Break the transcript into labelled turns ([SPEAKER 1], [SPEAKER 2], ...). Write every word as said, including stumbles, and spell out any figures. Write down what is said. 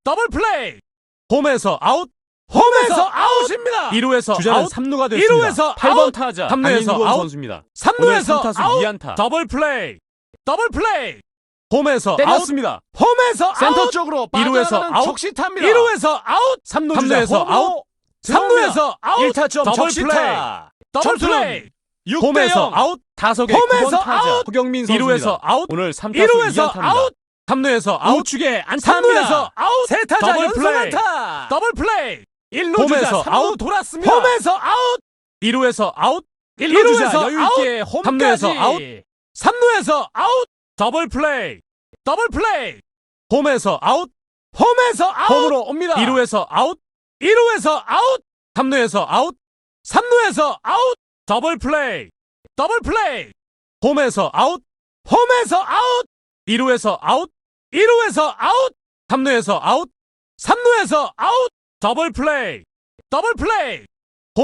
[SPEAKER 1] 더블 플레이.
[SPEAKER 2] 홈에서 아웃.
[SPEAKER 1] 홈에서 아웃입니다.
[SPEAKER 2] 일 루에서
[SPEAKER 3] 주자는
[SPEAKER 2] 아웃.
[SPEAKER 3] 삼 루가 됐습니다.
[SPEAKER 1] 일 루에서
[SPEAKER 3] 팔 번
[SPEAKER 1] 아웃.
[SPEAKER 3] 타자
[SPEAKER 2] 삼 루에서
[SPEAKER 3] 강인권
[SPEAKER 2] 아웃.
[SPEAKER 3] 선수입니다.
[SPEAKER 1] 삼
[SPEAKER 3] 오늘
[SPEAKER 1] 루에서
[SPEAKER 3] 삼 타수
[SPEAKER 1] 아웃.
[SPEAKER 3] 이 안타.
[SPEAKER 1] 더블 플레이. 더블 플레이.
[SPEAKER 2] 홈에서 아웃.
[SPEAKER 3] 때렸습니다.
[SPEAKER 1] 홈에서
[SPEAKER 3] 센터
[SPEAKER 1] 아웃.
[SPEAKER 3] 쪽으로
[SPEAKER 2] 일 루에서
[SPEAKER 3] 빠져나가는
[SPEAKER 2] 아웃.
[SPEAKER 3] 적시타입니다.
[SPEAKER 1] 일 루에서 아웃.
[SPEAKER 3] 삼 루
[SPEAKER 2] 삼
[SPEAKER 3] 주자
[SPEAKER 2] 루에서
[SPEAKER 3] 홈으로
[SPEAKER 2] 아웃.
[SPEAKER 1] 삼 루에서 아웃.
[SPEAKER 3] 일 타점
[SPEAKER 1] 더블
[SPEAKER 3] 적시타.
[SPEAKER 1] 더블
[SPEAKER 3] 점수는
[SPEAKER 1] 플레이. 육 대
[SPEAKER 2] 홈에서
[SPEAKER 1] 영.
[SPEAKER 2] 아웃.
[SPEAKER 3] 타석의
[SPEAKER 1] 홈에서
[SPEAKER 3] 구 번 타자
[SPEAKER 1] 아웃.
[SPEAKER 3] 허경민
[SPEAKER 2] 이
[SPEAKER 3] 선수입니다.
[SPEAKER 2] 루에서 아웃.
[SPEAKER 3] 오늘 삼
[SPEAKER 1] 일
[SPEAKER 3] 타수 이
[SPEAKER 1] 루에서
[SPEAKER 3] 안타입니다.
[SPEAKER 1] 아웃.
[SPEAKER 2] 삼 루에서 아웃.
[SPEAKER 3] 우측에
[SPEAKER 1] 삼
[SPEAKER 3] 안타입니다.
[SPEAKER 1] 루에서 아웃.
[SPEAKER 3] 세 타자
[SPEAKER 1] 더블
[SPEAKER 3] 연속
[SPEAKER 1] 플레이.
[SPEAKER 3] 안타.
[SPEAKER 1] 더블 플레이.
[SPEAKER 3] 일 루 주자
[SPEAKER 2] 홈에서
[SPEAKER 3] 삼 루
[SPEAKER 2] 아웃.
[SPEAKER 3] 돌았습니다.
[SPEAKER 1] 홈에서 아웃.
[SPEAKER 2] 이 루에서 아웃.
[SPEAKER 3] 일 루 주자
[SPEAKER 1] 루에서
[SPEAKER 3] 여유 있게
[SPEAKER 2] 삼 루에서
[SPEAKER 3] 홈까지.
[SPEAKER 2] 아웃.
[SPEAKER 1] 삼 루에서 아웃. 더블 플레이. 더블 플레이.
[SPEAKER 2] 홈에서 아웃.
[SPEAKER 1] 홈에서 아웃.
[SPEAKER 3] 홈으로 옵니다.
[SPEAKER 2] 이 루에서 아웃.
[SPEAKER 1] 일 루에서 아웃.
[SPEAKER 2] 삼 루에서 아웃.
[SPEAKER 1] 삼 루에서 아웃. 더블 플레이. 더블 플레이.
[SPEAKER 2] 홈에서 아웃.
[SPEAKER 1] 홈에서 아웃.
[SPEAKER 2] 이 루에서 아웃.
[SPEAKER 1] 일 루에서 아웃.
[SPEAKER 2] 삼 루에서 아웃.
[SPEAKER 1] 삼 루에서 아웃. 더블 플레이. 더블 플레이.